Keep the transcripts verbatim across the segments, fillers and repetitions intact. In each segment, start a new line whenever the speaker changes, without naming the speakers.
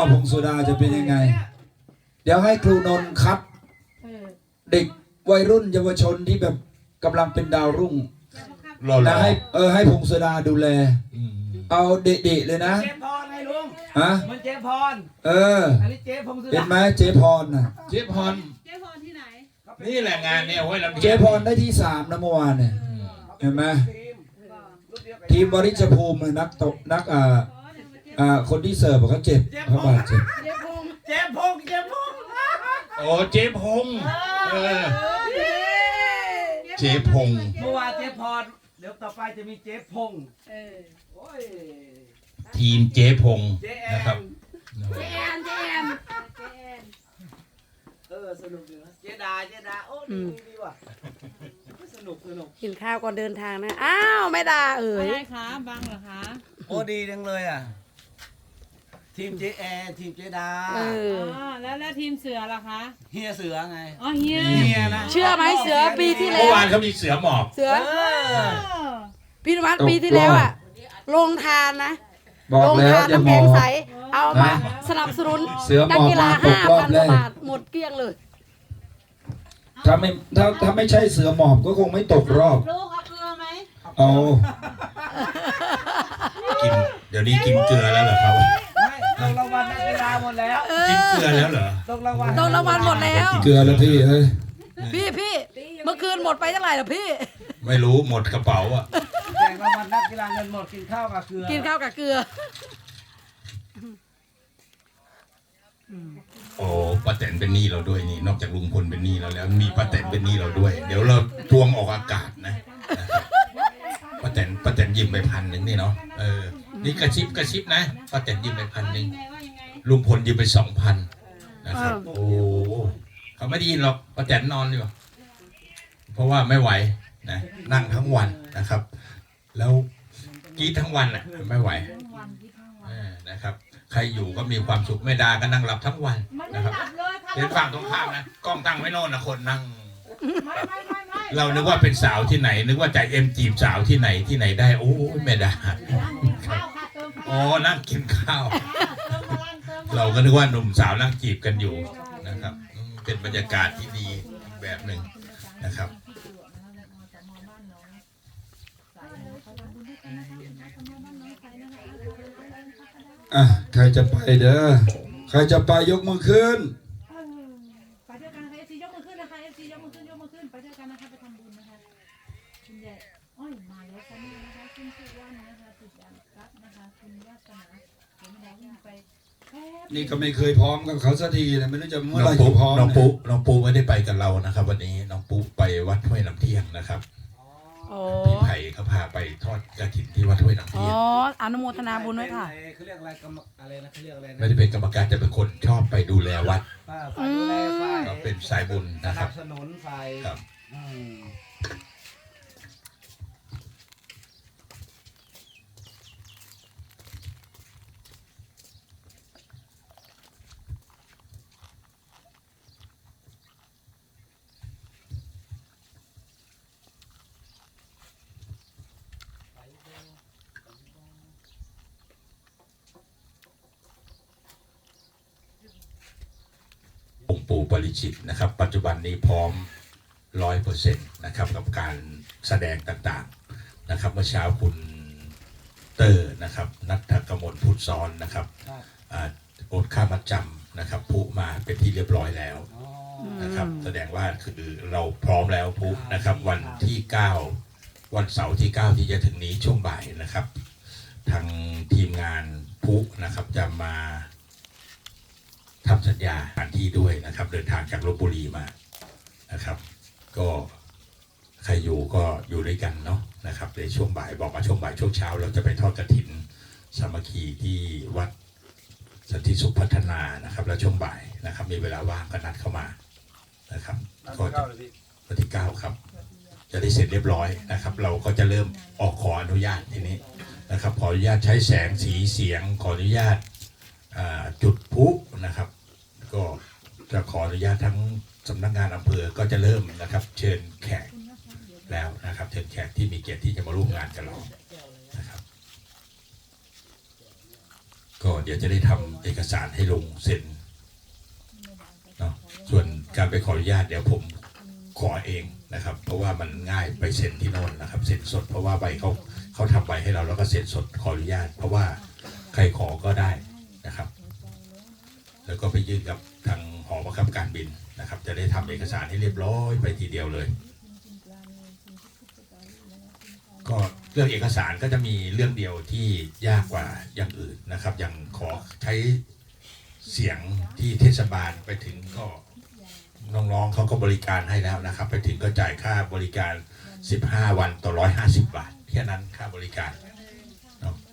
ผงโซดาจะเป็นยังไงเดี๋ยวให้ครูนนท์คัดเด็กวัยรุ่นเยาวชนที่แบบกำลังเป็นดาวรุ่งนะให้เออให้ผงโซดาดูแลเอาเด็กๆเลยนะ
เจ๊พรไงลุง
ฮะ
มันเจ๊พร
เออ
อันนี้เจ๊พงศ์สุดา
เห็นไหมเจ๊พรน่ะ
เจ๊พร
เจ๊พรที่ไหน
นี่แหละงานเนี่ยโอ้ยลำ
เจ๊พรได้ที่สามนะเมื่อวานเนี่ยเห็นไหมทีมบริจภูมินักตกนักอ่าอ่าคนที่เสิร์ฟเขาเจ็บเขาบาดเจ็บ
เจ๊พงศ์เจ๊พงศ์เจ๊พงศ์
โอ้เจ๊พงศ์เออเจ๊พงศ์
เมื่อวานเจ๊พรเดี๋ยวต่อไปจะมีเจ๊พงศ์
ทีมเจ๊พงศ์นะครับ
เจแอนเจแอน
เออสนุกดีนะเจดาเจดาโอ้ดีดีว่ะสนุกสนุก
กินข้าวก่อนเดินทางนะอ้าวไม่ด่าเอ่ย
อะไรคะบังเหรอคะ
โอ้ดีจังเลยอ่ะทีมเจแอนทีมเจดา
เออ
แล้วแล้วทีมเสือล่ะคะ
เฮียเสือไง
อ๋อเฮีย
เฮียนะ
เชื่อไหมเสือปีที่แล้ว
เมื่อวานเขามีเสือหมอบ
เสือพี่นวัดปีที่แล้วอ่ะลงทานนะ
บอกแล้วจะมอง
เอามาสนับสนุนนักกีฬาห้าพันบาทหมดเกลี้ยงเลย
ถ้าไม่ถ้าถ้าไม่ใช่เสือหมอบก็คงไม่ตกรอบ
ลูกเอาเกลือไหม
เอา
กินเดี๋ยวนี้กินเกลือแล้วเหรอครับ
ไม่ต้องรางวัลนักกีฬาหมดแล้ว
กินเกลือแล้วเหรอ
ต้องรางวัล
ต้องรางวัลหมดแล้ว
เกลือแล้วพี่เฮ้ย
พี่พี่เมื่อคืนหมดไปเท่าไหร่ล่ะพี่
ไม่รู้หมดกระเป๋าอ่ะ
แจกรางวัลนักกีฬาเงินหมดกินข้าวกับเกลือ
กินข้าวกับเกลือ
โอ้ป้าแตนเป็นหนี้เราด้วยนี่นอกจากลุงพลเป็นหนี้เราแล้วมีป้าแตนเป็นหนี้เราด้วยเดี๋ยวเราทวงออกอากาศนะป้าแตนป้าแตนยิ้มไปพันหนึ่งนี่เนาะเออนี่กระชิบกระชิบนะป้าแตนยิ้มไปพันหนึ่งลุงพลยิ้มไปสองพันนะครับโอ้เขาไม่ได้ยินหรอกป้าแตนนอนอยู่เพราะว่าไม่ไหวนะนั่งทั้งวันนะครับแล้วกี้ทั้งวันอ่ะไม่ไหวนะครับใครอยู่ก็มีความสุขไม่ด่าก็นั่งหลับทั้งวันนะครับเห็นฝั่งตรงข้ามนะกล้องตั้งไว้โน่นนะคนนั่งเรานึกว่าเป็นสาวที่ไหนนึกว่าใจเอ็มจีบสาวที่ไหนที่ไหนได้โอ้ไม่ได้อ๋อนั่งกินข้าวเราก็นึกว่าหนุ่มสาวนั่งจีบกันอยู่นะครับเป็นบรรยากาศที่ดีแบบหนึ่งนะครับ
อ่ะใครจะไปเด้อใครจะไปยกมือขึ้น
ไปด้วยกันนะคะเอฟซียกมือขึ้นนะคะเอฟซียกมือขึ้นยกมือขึ้นไปด้วยกันนะคะไปทำบุญนะคะคุณใหญ่อ้อยมาแล้วค่ะนี่นะคะคุณสุวรรณนะคะติดดังครับนะคะคุณวาสนาผมมองไป
นี่ก็ไม่เคยพร้อมกับเขาสักทีนะไม่รู้จะเมื่อไหร่จะพร้อม
น้องปุ๊น้องปุ๊ไม่ได้ไปกับเรานะครับวันนี้น้องปุ๊ไปวัดห้วยน้ำเที่ยงนะครับพี่ไผ่เขาพาไปทอดกฐินที่วัดห้วยน้ำเที่ยง
อ๋ออนุโมทนาบุญด้วยค่ะ
เขาเรียกอะไรกรรมอะไรนะเขาเรียกอะไร
ไม่ได้เป็นกรรมการจะเป็นคนชอบไปดูแลวัด
ฝ่ายดูแลฝ่าย
ก็เป็นสายบุญนะครับ
สนับสนุนฝ่าย
ครับองค์ปู่ปริจิตรนะครับปัจจุบันนี้พร้อมร้อยเปอร์เซ็นต์นะครับกับการแสดงต่างๆนะครับเมื่อเช้าคุณเตอร์นะครับนัทกมลพุทธซ้อนนะครับโอนค่ามัดจำนะครับผู้มาเป็นที่เรียบร้อยแล้วนะครับแสดงว่าคือเราพร้อมแล้วผู้นะครับวันที่เก้าวันเสาร์ที่เก้าที่จะถึงนี้ช่วงบ่ายนะครับทางทีมงานผู้นะครับจะมาทำสัญญาสถานที่ด้วยนะครับเดินทางจากลพบุรีมานะครับก็ใครอยู่ก็อยู่ด้วยกันเนาะนะครับในช่วงบ่ายบอกว่าช่วงบ่ายช่วงเช้าเราจะไปทอดกฐินสามัคคีที่วัดสันติสุขพัฒนานะครับแล้วช่วงบ่ายนะครับมีเวลาว่างก็นัดเข้ามานะครับก็วันที่เก้าครับจะได้เสร็จเรียบร้อยนะครับเราก็จะเริ่มออกขออนุญาตทีนี้นะครับขออนุญาตใช้แสงสีเสียงขออนุญาตจุดพลุนะครับก็จะขออนุญาตทั้งสำนักงานอำเภอก็จะเริ่มนะครับเชิญแขกแล้วนะครับเชิญแขกที่มีเกียรติที่จะมาร่วมงานกับเรานะครับก็เดี๋ยวจะได้ทำเอกสารให้ลงเซ็นเนาะส่วนการไปขออนุญาตเดี๋ยวผมขอเองนะครับ เพราะว่ามันง่ายไปเซ็นที่โน่นนะครับเซ็นสดเพราะว่าใบเขาเขาทำใบให้เราแล้วก็เซ็นสดขออนุญาต เพราะว่าใครขอก็ได้นะครับ แล้วก็ไปยื่นกับทางหอบังคับการบินนะครับ จะได้ทำเอกสารให้เรียบร้อยไปทีเดียวเลย ก็เรื่องเอกสารก็จะมีเรื่องเดียวที่ยากกว่าอย่างอื่นนะครับ อย่างขอใช้เสียงที่เทศบาลไปถึงก็น้องๆเขาก็บริการให้แล้วนะครับ ไปถึงก็จ่ายค่าบริการสิบห้าวันต่อหนึ่งร้อยห้าสิบบาทแค่นั้นค่าบริการเนาะ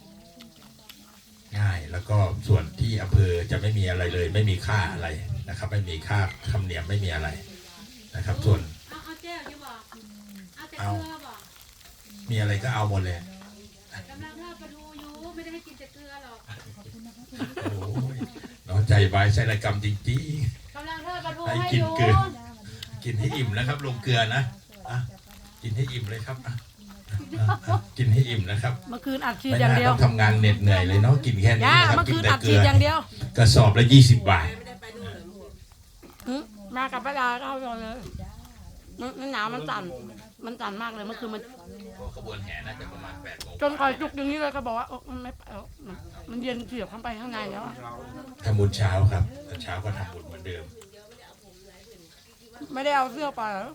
ง่ายแล้วก็ส่วนที่อำเภอจะไม่มีอะไรเลย ไม่มีค่าอะไรนะครับ ไม่มีค่าธรรมเนียมไม่มีอะไรนะครับ ส่วน
เอาเอาแจ้วจะบอกเอาแต่
เอา
เกลือบอก
มีอะไรก็เอาหมดเลย
กำลังทอดปลาทูอยู่ไม่ได้ให้กินแต่เกลือหรอก
โอ้ยน้องใจบายใส่ระกรรมจริง
กำลังทอดปลาทู
ให้
ให้
กิ
อน ยู่
เกลือ ๆ กินให้อิ่มนะครับ ลงเกลือนะอ่ะกินให้อิ่มเลยครับอ่ะอ่ะอ่ะกินให้อิ่มนะครับ
เมื่อคืนอัดฉีด
ไม่
อย่าง
น่า
เดียว
ต้องทำงานเหน็ดเหนื่อยเลยเนาะกินแค่นี้
ย่า
นะครับ
เมื่อ
กิ
คื
น
น
แต่
อัด
เกลื
ฉีด
อ
อย่างเดียว
กระสอบละยี่สิบบาท
หึมากับป้าดาก็เอาเลยมันมันหนาวมันสั่นมันสั่นมากเลยเมื่อคืนมัน
ขบวนแห่น่าจะประมาณแปดโมง
จนคอยจุกอย่างนี้เลยก็บอกว่าเออมันไม่ไปแล้วมันมันเย็นเสียบเข้าไปข้างในแล้วอะ
ทำบุญเช้าครับตอนเช้าก็ทำบุญเหมือนเดิม
ไม่ได้เอาเสื้อไปเหรอ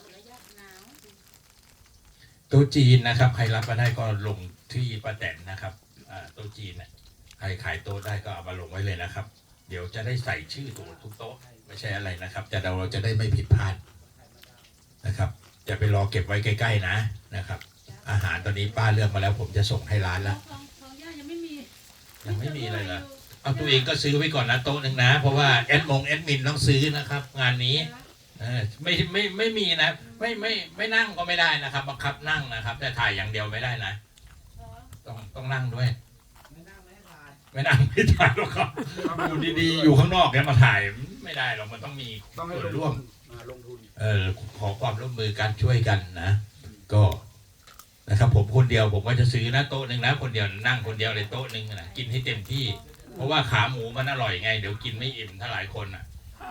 โต๊ะจีนนะครับ ใครรับมาได้ก็ลงที่ป้าแตนนะครับอ่าโต๊ะจีนเนี่ยใครขายโต๊ะได้ก็เอามาลงไว้เลยนะครับ เดี๋ยวจะได้ใส่ชื่อตัวทุกโต๊ะไม่ใช่อะไรนะครับจะเราจะได้ไม่ผิดพลาดนะครับอย่าไปรอเก็บไว้ใกล้ๆนะนะครับ อาหารตอนนี้ป้าเลือกมาแล้ว ผมจะส่งให้ร้านแล้ว
ของของย่ายังไม่มี
ยังไม่มีเลยเหรอเอาตัวเองก็ซื้อไว้ก่อนนะโต๊ะหนึ่งนะ เพราะว่าแอดมงแอดมินต้องซื้อนะครับ งานนี้เออไม่ไม่ไม่มีนะไม่ไม่ไม่นั่งก็ไม่ได้นะครับบังคับนั่งนะครับ แต่ถ่ายอย่างเดียวไม่ได้นะ ต้องต้องนั่งด้วย
ไม่นั่งไม่ให้ทาน
ไม่นั่งไม่ถ่ายหรอกครับอยู่ดีๆอยู่ข้างนอกเนี่ยมาถ่ายไม่ได้หรอกมันต้องมี
ต้องให้
ส่วน
ล
ร่ว
ง
ม
ทุนอ่าลงทุน
เออขอความร่วมมือการช่วยกันนะ ก็นะครับ ผมคนเดียวผมก็จะซื้อนะโต๊ะหนึ่งนะคนเดียวนั่งคนเดียวเลยโต๊ะหนึ่งนะกินให้เต็มที่ เพราะว่าขาหมูมันอร่อยไง เดี๋ยวกินไม่อิ่มถ้าหลายคนอ่ะ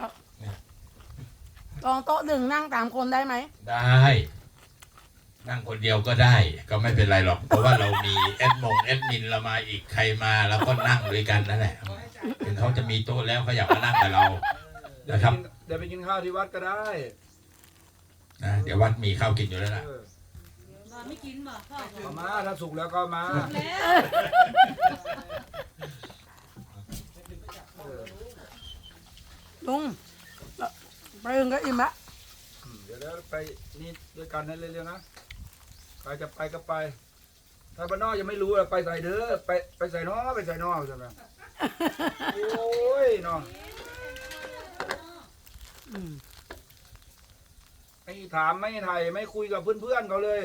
ลองโต๊ะหนึ่งนั่งสามคนได้ไหม
ได้ นั่งคนเดียวก็ได้ ก็ไม่เป็นไรหรอก เพราะว่าเรามีแอดมงแอดมินเรามาอีกใครมาแล้วก็นั่งด้วยกันนั่นแหละถึงเขาจะมีโต๊ะแล้วเขาอยากมานั่งกับเรา
เดี๋ยว
นะ
ไป
ครับ
กินเดี๋ยวไปกินข้าวที่วัดก็ได้
นะเดี๋ยววัดมีข้าวกินอยู่แล้วล่ะ
เออ
บอกไม่กินบอกพ่อบอก
เอามาถ้าสุกแล้วก็เอามา
แล้ว
เออ
ลุงไปเองก็อิ่มละ
อืมเดี๋ยวเดี๋ยวไปนี่ด้วยกันนั่นเร็วๆนะใครจะไปก็ไป ถ้าบ้านนอกยังไม่รู้อะไปใส่เด้อไปไปใส่นอไปใส่นอใช่ไหมโอ้ยน้อง
อืม
ไม่ถามไม่ไถ่ไม่คุยกับเพื่อนๆเขาเลย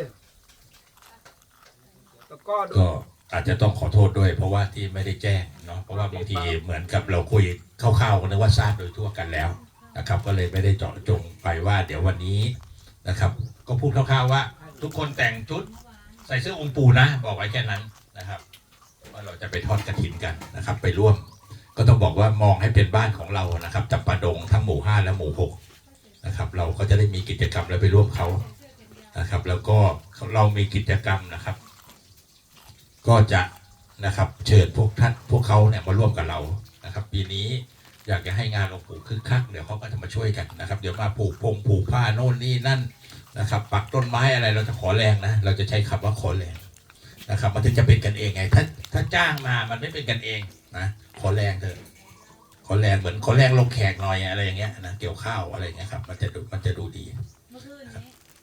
แล้วก็ดู
ก็อาจจะต้องขอโทษด้วย เพราะว่าที่ไม่ได้แจ้งเนาะเพราะว่าบางทีเหมือนกับเราคุยคร่าวๆกันนึกว่าทราบโดยทั่วกันแล้วนะครับ ก็เลยไม่ได้เจาะจงไปว่า เดี๋ยววันนี้นะครับ ก็พูดคร่าวๆว่า ทุกคนแต่งชุดใส่เสื้อองค์ปู่นะ บอกไว้แค่นั้นนะครับ ว่าเราจะไปทอดกฐินกันนะครับ ไปร่วม ก็ต้องบอกว่ามองให้เป็นบ้านของเรานะครับจับปาดงทั้งหมู่ห้าและหมู่หกนะครับ เราก็จะได้มีกิจกรรมแล้วไปร่วมเขานะครับ แล้วก็เรามีกิจกรรมนะครับ ก็จะนะครับเชิญพวกท่านพวกเขาเนี่ยมาร่วมกับเรานะครับ ปีนี้อยากจะให้งานหลวงปู่คึกคักเดี๋ยวเขาก็จะมาช่วยกันนะครับ เดี๋ยวมาผูกพงผูกผ้าโน่นนี่นั่นนะครับ ปักต้นไม้อะไรเราจะขอแรงนะ เราจะใช้คำว่าขอแรงนะครับ มันถึงจะเป็นกันเองไง ถ้าถ้าจ้างมามันไม่เป็นกันเองนะขอแรงเถอะขอแรงเหมือนขอแรงลงแขกหน่อยอะไรอย่างเงี้ยนะเกี่ยวข้าวอะไรอย่างเงี้ยครับมันจะดูมันจะดูดี
เมื่อคืนนี้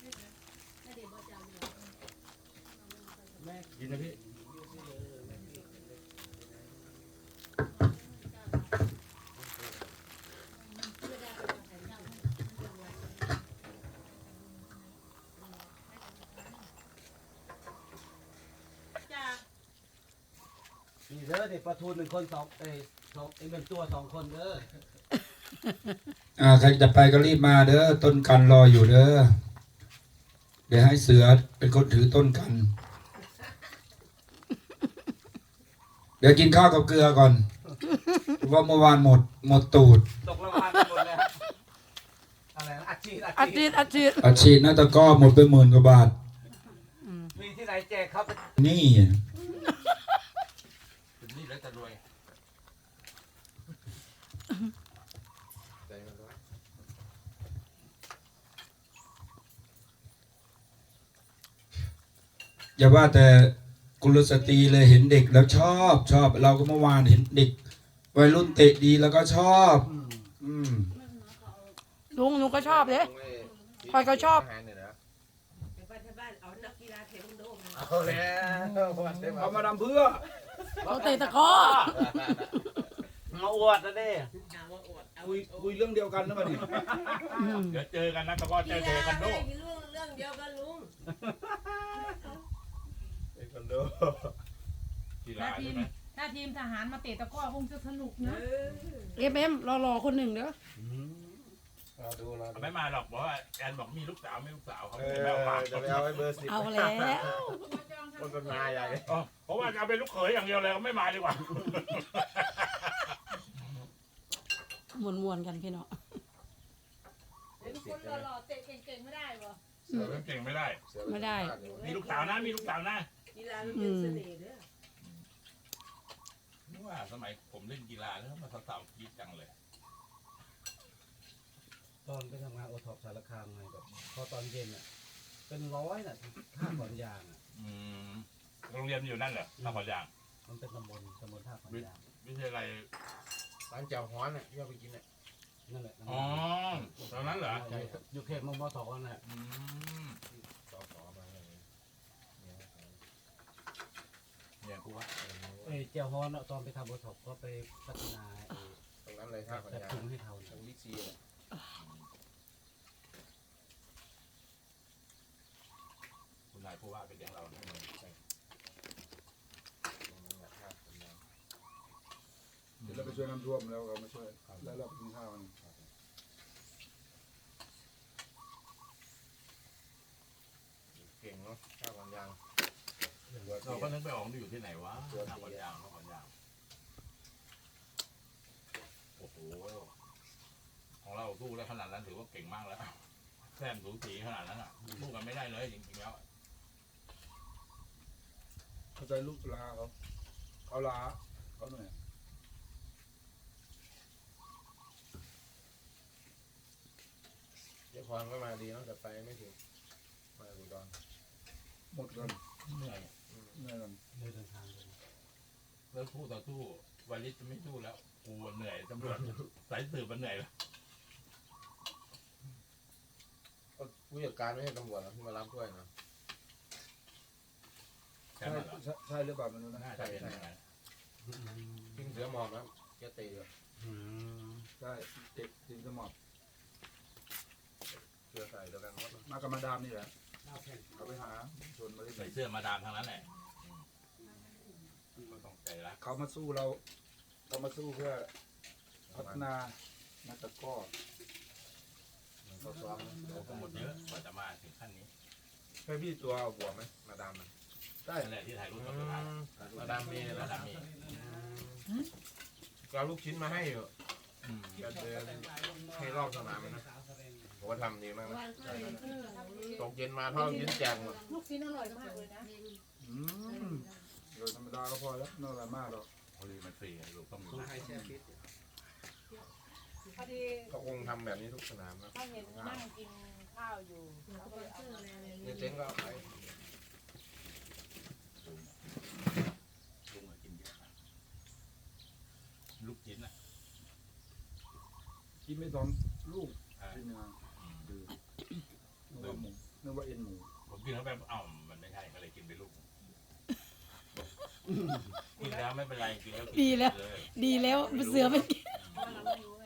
กินนะพี่
จ้า
นี่เด้อเด็กประทูนเป็นคนสองเอ้ยสองเอ้ยเป็นตัวสองคนเด้อ
อ่าใครจะไปก็รีบมาเด้อต้นกันรออยู่เด้อเดี๋ยวให้เสือเป็นคนถือต้นกันเดี๋ยวกินข้าวกับเกลือก่อนเพราะว่าเมื่อวานหมดหมดตูด
ตกรางวัลหมดเลยอะไรนะอัดฉีด
อา
อัด
ชี
ฉี
พ
ด
อาชีพ
อาชีพนาตะก้อหมดไปหมื่นกว่าบาท
มีที่ไหนแจกครับ
นี่
นี่แล้วจะรวย
อย่าว่าแต่กุลสตรีเลยเห็นเด็กแล้วชอบชอบ เราก็เมื่อวานเห็นเด็กวัยรุ่นเตะดีแล้วก็ชอบ อืม
ลุงหนูก็ชอบเลยคอยก็ชอบ
เอาแล้ววันเดียว
เอามาทำเพื่อ
เขาเตะตะกร้อ
มาอวดนะเด้
คุยคุยเรื่องเดียวกันนะบัดนี้
อืม
เดี๋ยวเจอกันนะตะก้อเจอเจอกันโด
เรื่องเรื่องเดียวกันลุง
ไอ้คนดู
กีฬา
ถ้าที
ใช่
ม
ไหม
ถ้าทีมทหารมาเตะตะกร้อคงจะสนุกนะ
เอฟเอ็มรอๆคนหนึ่งเด้อ
เราดูเราดู
ไม่มาหรอกบอกว่าแอนบอกมีลูกสาวไม่ลูกสาวเขา
เอ
ไม่
อ
เอามา
จะไปเอาไอ้เบอร์สิบ
เอาแล้ว
คนเป็นนายใหญ่
อ๋อเพราะว่าจะเอาเป็นลูกเขยอย่างเดียวเลยเขาไม่มาดีกว่า
มวนๆกันพี่น้อง
เป็นคนหล่อๆเตะเก่งๆไม่ได้เหรอ
เสือเก่งไม่ได้
ไม่ได้
มีลูกสาวนะมีลูกสาวนะ
กีฬามันเป็นเสน่ห์เด้อ
นึกว่าสมัยผมเล่นกีฬาแล้วมาสาวๆกรีดจังเลย
ตอนไปทำงานโอท็อปสารคามไงแบบพอตอนเย็นอ่ะเป็นร้อยน่ะท่าขอนยางอ่ะ
อืมโรงเรียนอยู่นั่นเหรอท่าขอนยาง
มันเป็นตำบลตำบลท่าขอนยาง
วิทยาลัย
ร้านแจ่วฮ้อนอ่ะที่เราไปกินอ่ะ
นั่นแหละ
อ๋อตอนนั้นเหรอ
ใช่อยู่เขตมอมอสองน่ะ
อืม
ต่อต่อมาอะไรอย่างเงี้ยเนี่ย
เนี่ยกูว่า
เอ้ยเจ้าฮอนอะตอนไปทำโอท็อปก็ไปพัฒนาไอ้
ตรงนั้นเลยท่าขอน
แบบ
ยาง
ถุงให้เขา
ตรงบิ๊กซีอ่ะ
คุณนายผู้ว่าไปเลี้ยงเราเนี่ย
ตรงนั้นแหละท่าขอนยาง
เดี๋ยวเราไปช่วยน้ำท่วมแล้วเรามาช่วยแล้วเราไปกินข้าวกัน
เก่งเนาะท่าขอนยาง
เราก็นึกไปออกอยู่ที่ไหนวะท่าขอนยางท่าขอนยางโอ้โหของเราสู้ได้ขนาดนั้นถือว่าเก่งมากแล้วแซมสูสีขนาดนั้นอ่ะสู้กันไม่ได้เลยจริงๆแล้ว
เข้าใจลูกลาเขาเขาลาเขาเหนื่อย
เจ้าพรก็มาดีเนาะแต่ไปไม่ถึงมาอุดร
หมดกัน
เหนื่อย
เหนื่อยกัน
เลยเดินทางเลย
แล้วสู้ต่อสู้วาลิสจะไม่สู้แล้วกูเหนื่อยตำรวจสายสืบมันเหนื่อยแล้ว
ก็ผู้จัดการไม่ใช่ตำรวจนะที่มารับด้วยนะ
ใช่
ใช่
ไหมล่ะ
ใช่ใช่หรือเปล่าไม่รู้นะ
น่าจะเป็นอย่างนั้น
ทิ้งเสือหมอบนะแกตีเลย
อืม
ใช่เด็กทีมสมอบ
เสือใส่เดียวกันหมดนะ
มากับมาดามนี่แหละเขาไปหาชวนมาที่
ใส่เสื้อมาดามทางนั้นแหละก็ต้องใจรัก
เขามาสู้เราเขามาสู้เพื่อพัฒนานักตะกร้อ
มันเขาซ้อมนะ
เราก็หมดเยอะกว่าจะมาถึงขั้นนี้
เคยพี่ตัวหัวไหมมาดามมัน
ได้
นั่นแหละที่ถ่ายรูป
อื
กับสุดท้าย
มมาดามมี
มา
นะ
ดามมี
ก็เอาลูกชิ้นมาให้อยู่
อืม
ก็เดินให้รอบสนามมันนะผมว่าทำดีมากนะตกเย็นมาทอดลูกชิ้นแจกหมด
ลูกชิ้นอร่อยมากเลยนะ
อืมโดยธรรมดาก็พอแล้วไม่อะไรมากหรอก
โอ้ยมันฟรีไงลูกต้องมีนะ
พอดี
เขาคงทำแบบนี้ทุกสนามนะ
เขาเห็นนั่งกินข้าวอยู่เขาก็เลยเอามา
เนี่ยเจ๊งก็เอาไป
ลุงอะกินเยอะนะลูกชิ้นอ่ะ
กินไม่สองลูก
อ่า
กินมา
อืม
ดื้อนึกว่าหมูนึกว่าเอ็นหมู
ผมกินเข้าไปเอ้ามันไม่ใช่ก็เลยกินไปลูกกินแล้วไม่เป็นไรกินแล้วกิน
ดีแล้ว
เลย
ดีแล้วเสือไม่กิน
เพราะเราไม่รู้